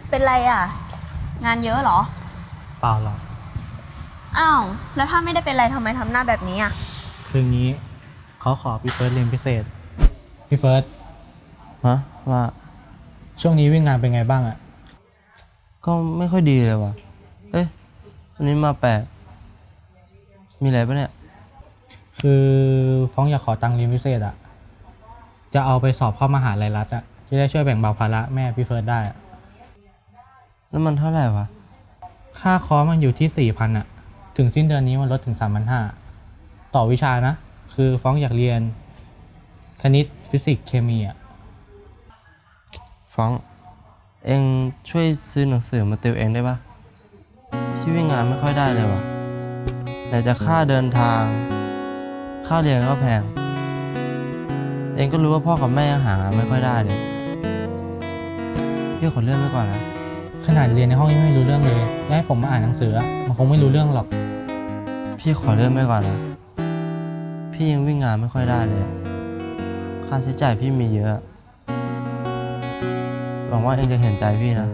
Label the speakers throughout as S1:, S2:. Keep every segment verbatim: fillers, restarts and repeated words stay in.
S1: เป็นไรอ่ะงานเยอะเหรอ
S2: เปล่าหรอก
S1: อ้าวแล้วถ้าไม่ได้เป็นไรทำไมทำหน้าแบบนี้อ่ะ
S2: คืองี้เขาขอพี่เฟิร์สเรียนพิเศษพี่เฟิร์ส
S3: ฮะว่า
S2: ช่วงนี้วิ่งงานเป็นไงบ้างอะ
S3: ก็ไม่ค่อยดีเลยว่ะเอ๊ะอันนี้มาแปลกมีอะไรปะเนี่ย
S2: คือฟ้องอยากขอตังค์เรียนพิเศษอะจะเอาไปสอบเข้ามหาลัยรัฐอะจะได้ช่วยแบ่งเบาภาระแม่พี่เฟิร์สได้อะ
S3: แล้วมันเท่าไหร่วะ
S2: ค่าคอร์สมันอยู่ที่สี่พันอะถึงสิ้นเดือนนี้มันลดถึงสามพันห้าต่อวิชานะคือฟ้องอยากเรียนคณิตฟิสิกส์เคมีอะ
S3: ฟ้องเองช่วยซื้อหนังสือมาติวเองได้ปะพี่วิ่งงานไม่ค่อยได้เลยว่ะไหนจะค่าเดินทางค่าเรียนก็แพงเองก็รู้ว่าพ่อกับแม่ยังหางานไม่ค่อยได้เลยพี่ขอเลื่อนไว้ก่อนนะ
S2: ขนาดเรียนในห้องยังไม่รู้เรื่องเลยแล้วให้ผมมาอ่านหนังสือมันคงไม่รู้เรื่องหรอก
S3: พี่ขอเลื่อนไว้ก่อนนะพี่ยังวิ่งงานไม่ค่อยได้เลยค่าใช้จ่ายพี่มีเยอะหวังว่าเองจะเห็นใจพี่นะ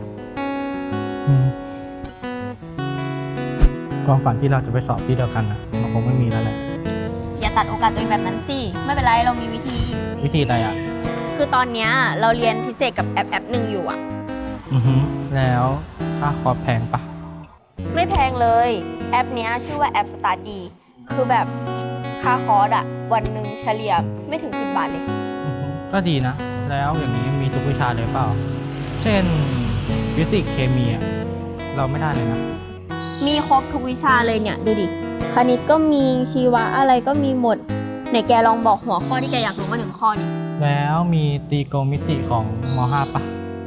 S2: ความฝันที่เราจะไปสอบที่เดียวกันนะมันคงไม่มีแล้วแหละ
S1: อย่าตัดโอกาสตัวเองแบบนั้นสิไม่เป็นไรเรามีวิธี
S2: วิธีอะไรอ่ะ
S1: คือตอนเนี้ยเราเรียนพิเศษกับแอปแอปหนึ่งอยู่อ่ะ
S2: อือฮึแล้วค่าคอร์สแพงปะ
S1: ไม่แพงเลยแอปเนี้ยชื่อว่าแอปสตาร์ดีคือแบบค่าคอร์สอ่ะวันหนึ่งเฉลี่ยไม่ถึงสิบบาทเลย
S2: ก็ดีนะแล้วอย่างนี้มีทุกวิชาเลยเปล่าเช่นฟิสิกส์เคมีอ่ะเราไม่ได้เลยนะ
S1: มีครบทุกวิชาเลยเนี่ยดูดิคณิตก็มีชีวะอะไรก็มีหมดไหนแกลองบอกหัวข้อที่แกอยากรู้มาหนึ่งข้อดิ
S2: แล้วมีตรีโกณมิติของม.ห้า ปะ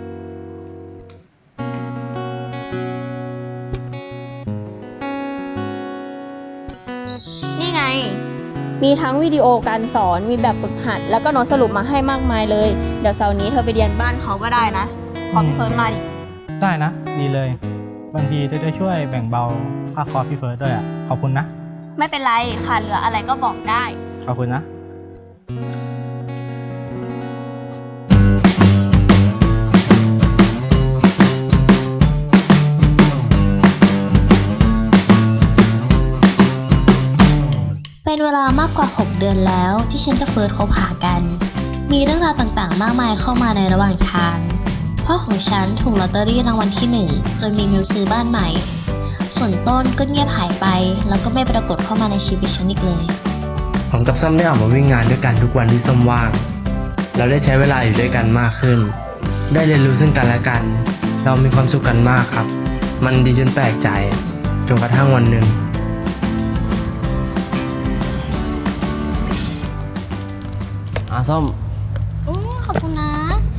S1: นี่ไงมีทั้งวิดีโอการสอนมีแบบฝึกหัดแล้วก็โน้ตสรุปมาให้มากมายเลยเดี๋ยวเสาร์นี้เธอไปเรียนบ้านเขาก็ได้นะขอพี่เฟิร์สมาดิ
S2: ได้นะดีเลยบางทีจะได้ช่วยแบ่งเบาค่าคอร์สพี่เฟิร์สด้วยอ่ะขอบคุณนะ
S1: ไม่เป็นไรขาดเหลืออะไรก็บอกได้
S2: ขอบคุณนะ
S4: เป็นเวลามากกว่าหกเดือนแล้วที่ฉันกับเฟิร์สคบหากันมีเรื่องราวต่างๆมากมายเข้ามาในระหว่างทางพ่อของฉันถูกลอตเตอรี่รางวัลที่หนึ่งจนมีเงินซื้อบ้านใหม่ส่วนต้นก็เงียบหายไปแล้วก็ไม่ปรากฏเข้ามาในชีวิตฉันอีกเลย
S3: ผมกับส้มได้ออกมาวิ่งงานด้วยกันทุกวันที่ส้มว่างเราได้ใช้เวลาอยู่ด้วยกันมากขึ้นได้เรียนรู้ซึ่งกันและกันเรามีความสุขกันมากครับมันดีจนแปลกใจจนกระทั่งวันหนึ่งอาส้ม
S4: อืมขอบคุณนะ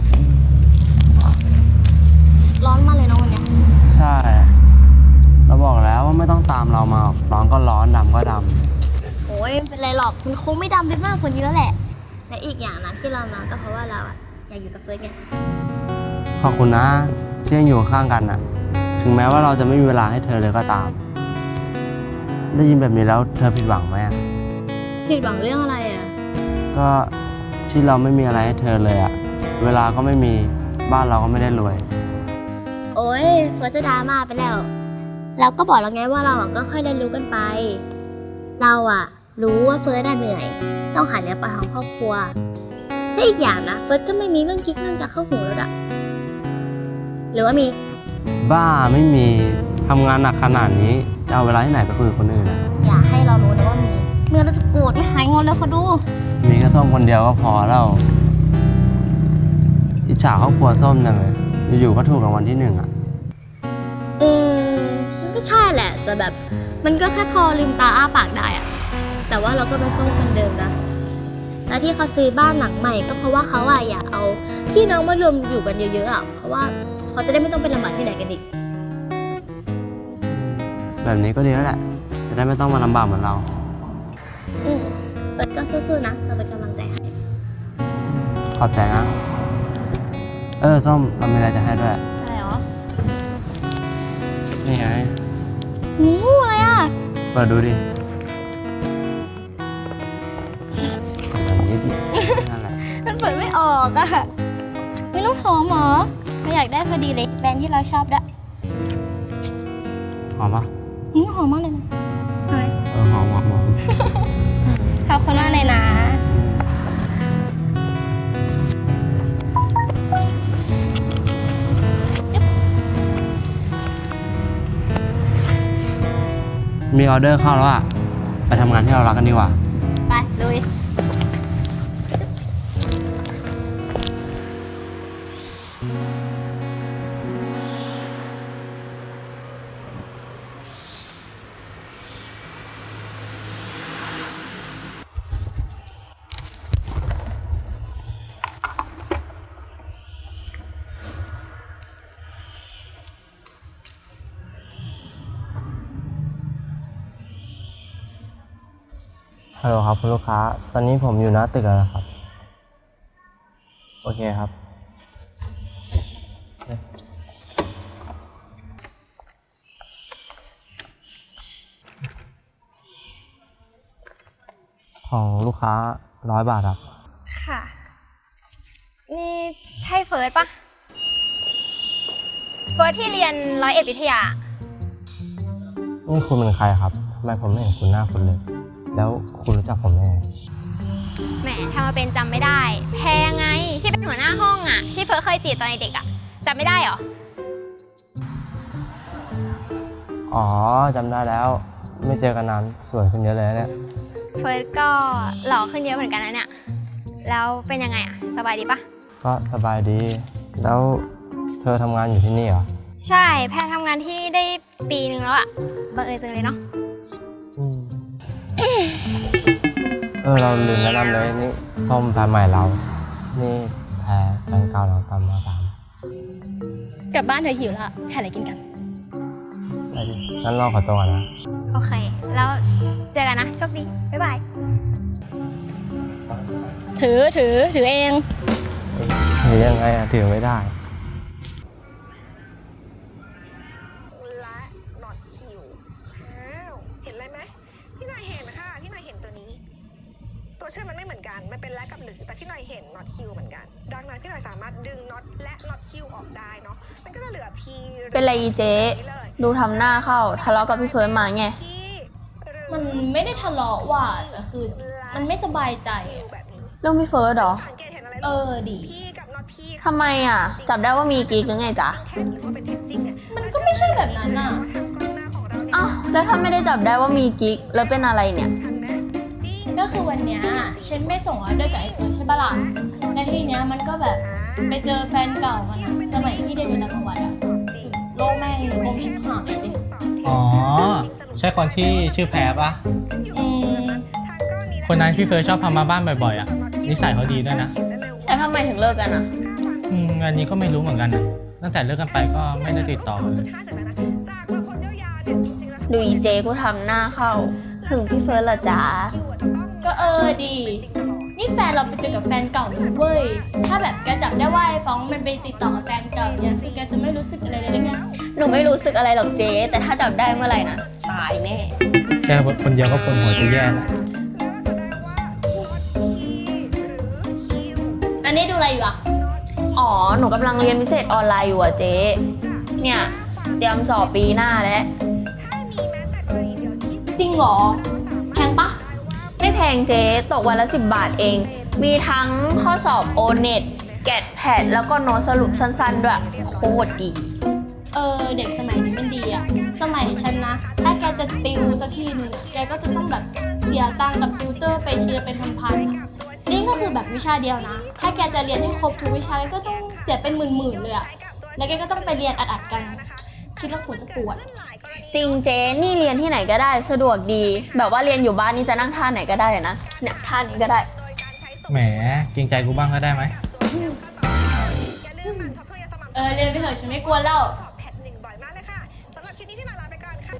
S4: ร้อนมากเลยนะวันนี้
S3: ใช่เราบอกแล้วว่าไม่ต้องตามเรามาร้อนก็ร้อนดำก็ด
S4: ำโอ้ยเป็นไรหรอกมันคงไม่ดำไปมากกว่านี้แล้วแหละและอีกอย่างนะที่เรามาก็เพราะว่าเราอะอยากอยู่กับเฟิร์สไง
S3: ขอบคุณนะที่ยังอยู่ข้างกันนะถึงแม้ว่าเราจะไม่มีเวลาให้เธอเลยก็ตามได้ยินแบบนี้แล้วเธอผิดหวังไหม
S4: ผิดหวังเรื่องอะไรอะ
S3: ก็ที่เราไม่มีอะไรให้เธอเลยอะเวลาก็ไม่มีบ้านเราก็ไม่ได้รวย
S4: โอ้ยเฟิร์สจะดราม่าไปแล้วเราก็บอกแล้วไงว่าเราอะก็ค่อยเรียนรู้กันไปเราอะรู้ว่าเฟิร์สเหนื่อยต้องหาเลี้ยงปากท้องครอบครัวและอีกอย่างนะเฟิร์สก็ไม่มีเรื่องคิดเรื่องจะเข้าหูแล้วอะหรือว่ามี
S3: บ้าไม่มีทำงานหนักขนาดนี้จะเอาเวลาที่ไหนไปคุยกับคนอื่นนะ
S4: อย่าให้เรารู้นะว่ามีเมื่อเราจะโกรธไม่หายงอนเลยเขาดู
S3: มีแค่ส้มคนเดียวก็พอแล้วอิจฉาครอบครัวส้มจังเลยอยู่ๆก็ถูกรางวัลที่หนึ่งอ่ะ
S4: อืมมันก็ใช่แหละแต่แบบมันก็แค่พอลืมตาอ้าปากได้อะแต่ว่าเราก็เป็นส้มคนเดิมนะและที่เขาซื้อบ้านหลังใหม่ก็เพราะว่าเขาอะอยากเอาพี่น้องมารวมอยู่กันเยอะๆอะเพราะว่าเขาจะได้ไม่ต้องเป็นลำบากที่ไหนกันอีก
S3: แบบนี้ก็ดีแล้วแหละจะได้ไม่ต้องมาลำบากเหมือนเรา
S4: อืมเฟิร์สก็สู้ๆนะเราเป็นกำลังใจให้
S3: ขอบใจนะเออส้มเรามีอะไรจะให้ด้วย
S4: อะไรหรอ
S3: นี่ไง
S4: หูอะไรอ่ะ
S3: เปิดดูดิแบบนี้ดินั่นแหละ
S4: มันเปิดไม่ออกอ่ะไม่ต้องหอมหรออยาก
S5: อยากได้พอดีเลยแบรนด์ที่เราชอบด้วย
S3: หอมปะ
S5: อืมหอมมากเลยนะหอมไหม
S3: เออหอมหอมหอม
S5: ขอบคุณมากเลยนะ
S3: มีออเดอร์เข้าแล้วอ่ะ ไปทำงานที่เรารักกันดีกว่า
S5: ไปลุย
S3: ฮัลโหลครับคุณลูกค้า ตอนนี้ผมอยู่หน้าตึกแล้วนะครับ โอเคครับ ของลูกค้าร้อยบาทครับ
S6: ค่ะ นี่ใช่เฟิร์สปะเฟิร์สที่เรียนร้อยเอ็ดวิทยา
S3: นี่คุณเป็นใครครับทำไมผมไม่เห็นคุณหน้าคุณเลย แล้วคุณรู้จักผมได้ไง
S6: แหมทำมาเป็นจำไม่ได้ แพงไงที่เป็นหัวหน้าห้องอะที่เฟิร์สเคยจีบตอนเด็กอะจำไม่ได้เหรอ
S3: อ๋อจำได้แล้ว ไม่เจอกันนานสวยขึ้นเยอะเลยนะเนี่ย
S6: เฟิร์สก็หล่อขึ้นเยอะเหมือนกันนะเนี่ย แล้วเป็นยังไงอะสบายดีปะ
S3: ก็สบายดี แล้วเธอทำงานอยู่ที่นี่เหรอ
S6: ใช่แพรทำงานที่นี่ได้ปีนึงแล้วอะบังเอิญจังเลยเนาะ
S3: อืมเออเราลืมแนะนำเลยนี่ส้มแพรใหม่เรา นี่แพรแฟนเก่าเราตอนมสาม
S5: กลับบ้านเธอหิวแล้วหาอะไรกินกัน
S3: ไปดิงั้นเราขอตัวก่อนนะ
S6: โอเค แล้วเจอกันนะโชคดีบ๊ายบาย
S5: ถือถือถือเอง
S3: หรือยังไงอะถือไม่ได้
S7: และหนอดคิวอ้าวเห็นอะไรไหมพี่หน่อยเห็นค่ะพี่หน่อยเห็นตัวนี้ ตัวชื่อมันไม่เหมือนกันมันเป็นและกับหรือแต่พี่หน่อยเห็นน็อตคิวเหมือนกันดังนั้นพี่หน่อยสามารถดึงน็อตและน็อตคิวออกได้เนาะมันก็จะเหลือพี
S1: เป็นไรอีเจ๊ดูทำหน้าเข้าทะเลาะกับพี่เฟิร์สมาไง
S5: มันไม่ได้ทะเลาะว่ะแต่คือมันไม่สบายใจอะ
S7: แบบนี้
S1: เรื่องพี่เฟิร์สเหรอ
S7: สังเกตเห็นอะไร
S5: เออดี
S7: พีกับน็อตพี
S1: ทำไมอ่ะ จับได้ว่ามีกิ๊กหรือไงจ๊ะ
S7: แท็กหรือว่าเป็นเท็จจริงเนี่ย
S5: มันก็ไม่ใช่แบบนั้นอ่ะ
S7: ทางกล้องหน้าของเราเนี่ย
S1: อ้าวแล้วถ้าไม่ได้จับได้ว่ามีกิ๊กแล้วเป็นอะไรเนี่ย
S7: ทันไหมจริง
S5: ก็คือวันเนี้ยฉันไปส่งออเดอร์กับไอ้เฟิร์สใช่ปะล่ะแล้วทีเนี้ยมันก็แบบไปเจอแฟนเก่ามันอะสมัยที่เรียนอยู่ต่างจังหวัดอะโลกแม่งกลมชิบหายเลย
S2: อ๋อ ใช่คนที่ชื่อแพรปะ
S5: อืม
S2: คนนั้นพี่เฟิร์สชอบพามาบ้านบ่อยๆอ่ะ นิสัยเขาดีด้วยนะ
S1: แล้วทำไมถึงเลิกกันอ่ะ
S2: อืมอันนี้ก็ไม่รู้เหมือนกันอะตั้งแต่เลิกกันไปก็ไม่ได้ติดต่อกันเลย
S7: ห้าสิบแล้วนะจากบางคนยาวๆเนี่ยจริงๆแล้ว
S1: ดูอีเจกูทำหน้าเข้า ถึงพี่เฟิร์สละจ๊ะ
S5: ก็เออดี นี่แฟนเราไปเจอกับแฟนเก่าเลยเว้ย ถ้าแบบแกจับได้ว่าไอ้ฟ้องมันไปติดต่อกับแฟนเก่าเนี่ยคือแกจะไม่รู้สึกอะไรเลยได้ไง
S1: หนูไม่รู้สึกอะไรหรอกเจ๊แต่ถ้าจับได้เมื่อไหร่นะตายแน่
S2: แค่คนเดียวก็ปวดหัวจะแย่แล้ว
S5: อันนี้ดูอะไรอยู่อะ
S1: อ๋อ หนูกำลังเรียนพิเศษออนไลน์อยู่อ่ะเจ๊ เนี่ยเตรียมสอบปีหน้าแล้ว
S5: จริงเหรอแพงปะ
S1: ไม่แพงเจ๊ตกวันละสิบบาทเอง มีทั้งข้อสอบโอเน็ตแกดแพดแล้วก็โน้ตสรุปสั้นๆด้วยโคตรดี
S5: เออเด็กสมัยนี้มันดีอะสมัยฉันนะ ถ้าแกจะติวสักทีหนึ่งอะแกก็จะต้องแบบเสียตังค์กับติวเตอร์ไปทีละเป็นพันๆอะนี่ก็คือแบบวิชาเดียวนะ ถ้าแกจะเรียนให้ครบทุกวิชาแกก็ต้องเสียเป็นหมื่นๆเลยอะแล้วแกก็ต้องไปเรียนอัดๆกัน คิดแล้วหัวจะปวด
S1: จริงเจ๊นี่เรียนที่ไหนก็ได้สะดวกดี แบบว่าเรียนอยู่บ้านนี่จะนั่งท่าไหนก็ได้เลยนะเนี่ยท่านี้ก็ได้
S2: แหมเกรงใจกูบ้างก็ได้ไหม
S5: เออเรียนไปเถอะฉันไม่กลัวแล้ว
S7: แพทหนึ่งบ่อยมากเลยค่ะสำหรับคลิปนี้ที่หน่อยลาไปก่อนค่ะ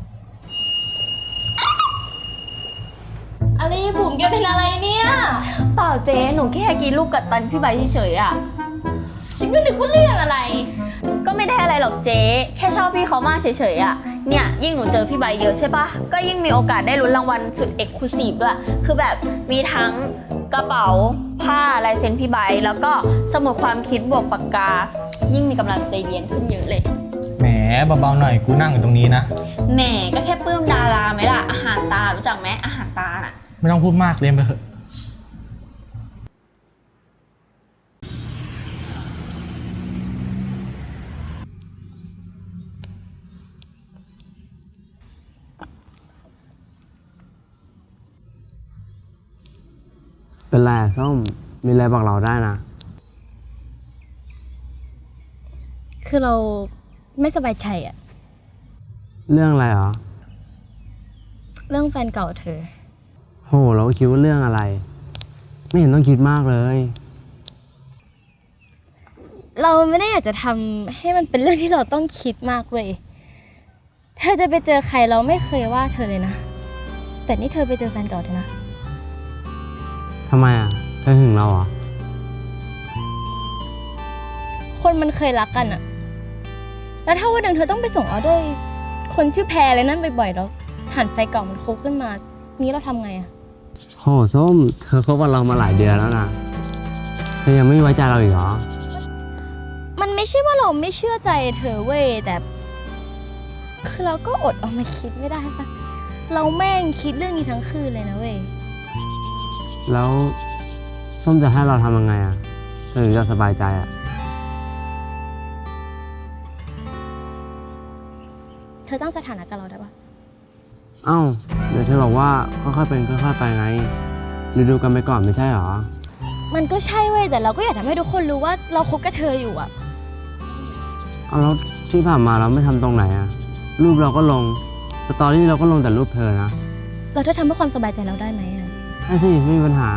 S5: อะไรบุ๋มแกเป็นอะไรเนี่ย
S1: เปล่าเจ๊หนูแค่กินลูกกัดตันพี่ใบเฉยๆอ่ะ
S5: ฉันก็นึกว่าเรื่องอะไร
S1: ก็ไม่ได้อะไรหรอกเจ๊แค่ชอบพี่เขามากเฉยๆอ่ะเนี่ยยิ่งหนูเจอพี่ใบเยอะใช่ปะก็ยิ่งมีโอกาสได้ลุ้นรางวัลสุดเอกลูซีฟด้วยคือแบบมีทั้งกระเป๋าผ้าลายเซ็นพี่ใบแล้วก็สมุดความคิดบวกปากกา ยิ่งมีกำลังใจเรียนขึ้นเยอะเลย
S2: แหมเบาๆหน่อยกูนั่งอยู่ตรงนี้นะ
S1: แหมก็แค่ปลื้มดาราไหมล่ะอาหารตารู้จักไหมอาหารตาน่ะ
S2: ไม่ต้องพูดมากเรียนไปเถอะ
S8: เป็นไรอะส้ม มีอะไรบอกเราได้นะ
S5: คือเราไม่สบายใจอะ
S8: เรื่องอะไรเหรอ
S5: เรื่องแฟนเก่าเธอ
S8: โห เราก็คิดว่าเรื่องอะไร ไม่เห็นต้องคิดมากเลย
S5: เราไม่ได้อยากจะทำให้มันเป็นเรื่องที่เราต้องคิดมากเว้ย เธอจะไปเจอใครเราไม่เคยว่าเธอเลยนะ แต่นี่เธอไปเจอแฟนเก่าเธอนะ
S8: ทำไมอ่ะ เธอหึงเราเหรอ
S5: คนมันเคยรักกันอะแล้วถ้าวันหนึ่งเธอต้องไปส่งออเดอร์คนชื่อแพรเลยนั่นบ่อยๆแล้วหันไฟเก่ามันโคขึ้นมา นี้เราทำไงอะ
S8: โห ส้ม เธอคบกับเรามาหลายเดือนแล้วนะ เธอยังไม่ไว้ใจเราอีกเหรอ
S5: มันไม่ใช่ว่าเราไม่เชื่อใจเธอเว้ย แต่ คือเราก็อดเอามาคิดไม่ได้ปะเราแม่งคิดเรื่องนี้ทั้งคืนเลยนะเว้ย
S8: แล้วส้มจะให้เราทำยังไงอ่ะ เธอถึงจะสบายใจอ่ะ
S5: เธอตั้งสถานะกับเราได้ปะ
S8: เอ้า เดี๋ยวเธอบอกว่าค่อยๆเป็นค่อยๆไปไง ดูดูๆกันไปก่อนไม่ใช่เหรอ
S5: มันก็ใช่เว้ย แต่เราก็อยากทำให้ทุกคนรู้ว่าเราคบกับเธออยู่อะ
S8: เอาแล้วที่ผ่านมาเราไม่ทำตรงไหนอ่ะ รูปเราก็ลง สตอรี่เราก็ลงแต่รูปเธอนะ
S5: เราถ้าทำให้ความสบายใจเราได้ไหมอะ
S8: ได้สิ ไม่มีปัญหา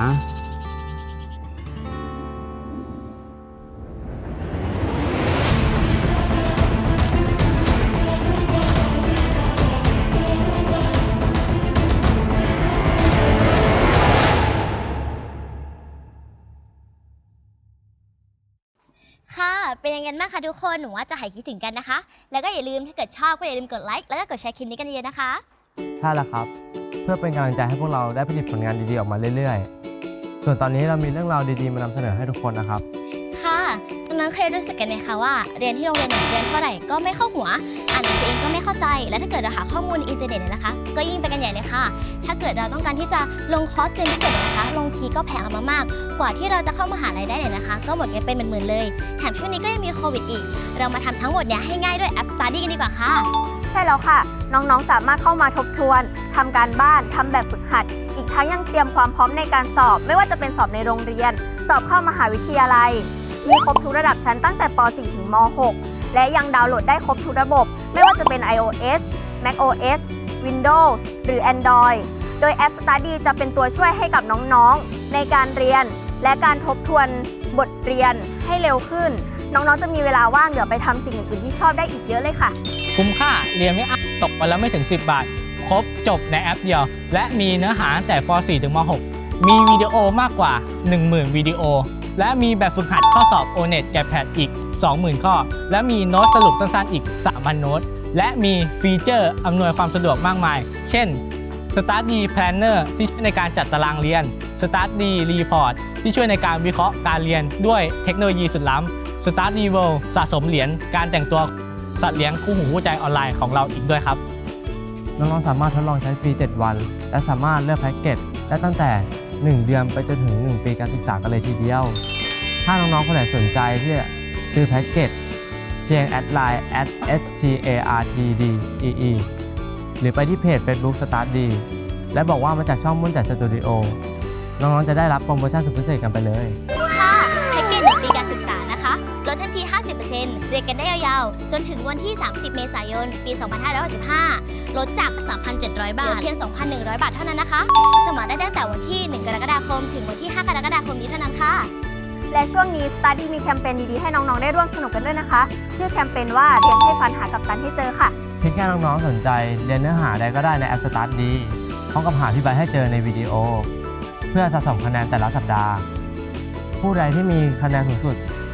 S4: ค่ะ เป็นยังไงบ้างคะทุกคน หนูว่าจะหายคิดถึงกันนะคะ แล้วก็อย่าลืมถ้าเกิดชอบก็อย่าลืมกดไลค์ แล้วก็กดแชร์คลิปนี้กันเยอะๆนะคะ
S3: ใช่แล้วครับ เพื่อเป็นกำลังใจให้พวกเราได้ผลิตผลงานดีๆออกมาเรื่อยๆ ส่วนตอนนี้เรามีเรื่องราวดีๆมานำเสนอให้ทุกคนนะครับ
S4: ค่ะน้องๆเคยรู้สึกกันไหมคะว่าเรียนที่โรงเรียนหนึ่งเรียนเท่าไหร่ก็ไม่เข้าหัว อ่านหนังสือเองก็ไม่เข้าใจ และถ้าเกิดเราหาข้อมูลในอินเทอร์เน็ตเนี่ยนะคะ ก็ยิ่งไปกันใหญ่เลยค่ะ ถ้าเกิดเราต้องการที่จะลงคอร์สเรียนพิเศษเนี่ยนะคะ ลงทีก็แพงเอามากๆ กว่าที่เราจะเข้ามหาลัยได้เนี่ยนะคะ ก็หมดเงินเป็นหมื่นๆเลย แถมช่วงนี้ก็ยังมีโควิดอีก เรามาทำทั้งหมดเนี่ยให้ง่ายด้วยแอป Study กันดีกว่าค่ะ
S1: ใช่แล้วค่ะ น้องๆ สามารถเข้ามาทบทวนทำการบ้านทำแบบฝึกหัด อีกทั้งยังเตรียมความพร้อมในการสอบ ไม่ว่าจะเป็นสอบในโรงเรียน สอบเข้ามหาวิทยาลัย มีครบทุกระดับชั้นตั้งแต่ป .สี่ ถึงม หก และยังดาวน์โหลดได้ครบทุกระบบ ไม่ว่าจะเป็น iOS macOS Windows หรือ Android โดยแอป Study จะเป็นตัวช่วยให้กับน้องๆ ในการเรียน และการทบทวนบทเรียนให้เร็วขึ้น น้องๆ จะมีเวลาว่างเหลือไปทำสิ่งอื่นๆที่ชอบได้อีกเยอะเลยค่ะ
S2: คุ้มค่าเรียนไม่อั้นตกวันละไม่ถึงสิบบาท ครบจบในแอปเดียว และมีเนื้อหาตั้งแต่ป .สี่ ถึงม .หก มีวิดีโอมากกว่า หนึ่งหมื่น วิดีโอ และมีแบบฝึกหัดข้อสอบ โอ เน็ต กับ แพท อีก สองหมื่น ข้อ และมีโน้ตสรุปสั้นๆอีก สามพัน โน้ต และมีฟีเจอร์อำนวยความสะดวกมากมาย เช่น Study Planner ที่ช่วยในการจัดตารางเรียน Study Report ที่ช่วยในการวิเคราะห์การเรียนด้วยเทคโนโลยีสุดล้ำ Study World สะสมเหรียญการแต่งตัวสัตว์เลี้ยงคู่หูคู่ใจออนไลน์ของเราอีกด้วยครับ
S3: น้องๆ สามารถทดลองใช้ฟรี เจ็ด วัน และสามารถเลือกแพ็กเกจได้ตั้งแต่ หนึ่ง เดือนไปจนถึง หนึ่ง ปีการศึกษากันเลยทีเดียว ถ้าน้องๆ คนไหนสนใจที่จะซื้อแพ็กเกจเพียงแอดไลน์ แอท เอส ที เอ อาร์ ที ดี อี อี หรือไปที่เพจ Facebook Study และบอกว่ามาจากช่องมุ่นจัดสตูดิโอ น้องๆ จะได้รับโปรโมชั่นสุดพิเศษกันไปเลย
S4: ค่ะแพ็กเกจหนึ่งปีการศึกษานะคะลดทันที ห้าสิบเปอร์เซ็นต์ เรียนกันได้ยาวๆ จนถึงวันที่ สามสิบ เมษายน ปี สองพันห้าร้อยหกสิบห้า ลดจาก สามพันเจ็ดร้อย บาท เหลือเพียง สองพันหนึ่งร้อย บาทเท่านั้นนะคะ สมัครได้ตั้งแต่วันที่ หนึ่ง กรกฎาคม ถึงวันที่ ห้า กรกฎาคมนี้เท่านั้นค่ะ
S1: และช่วงนี้ Study มีแคมเปญดีๆ ให้น้องๆ ได้ร่วมสนุกกันด้วยนะคะ ชื่อแคมเปญว่าเรียนให้ฟันหากับตันให้เจอค่ะ
S3: เพียงแค่น้องๆ สนใจเรียนเนื้อหาใดก็ได้ในแอป Study พร้อมกับหาที่ใบให้เจอในวิดีโอ เพื่อสะสมคะแนนแต่ละสัปดาห์ ผู้ใดที่มีคะแนนสูงสุด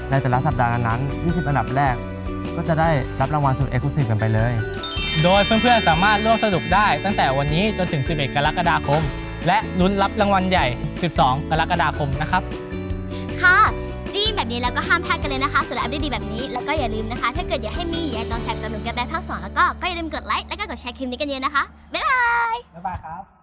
S8: ในแต่ละสัปดาห์นั้นๆยี่สิบอันดับแรก ก็จะได้รับรางวัลสุดเอ็กซ์คลูซีฟกันไปเลย
S2: โดยเพื่อนๆสามารถร่วมสนุกได้ตั้งแต่วันนี้จนถึง สิบเอ็ด กรกฎาคม และลุ้นรับรางวัลใหญ่ สิบสอง กรกฎาคมนะครับ
S4: ค่ะดีแบบนี้แล้วก็ห้ามพลาดกันเลยนะคะสำหรับอัปเดตดีแบบนี้แล้วก็อย่าลืมนะคะ ถ้าเกิดอยากให้มียายตอนแสบกับหนุ่มแกแบภาคสองแล้วก็ก็อย่าลืมกดไลค์แล้วก็กดแชร์คลิปนี้กันเยอะนะคะบ๊ายบาย
S2: บ๊ายบายครับ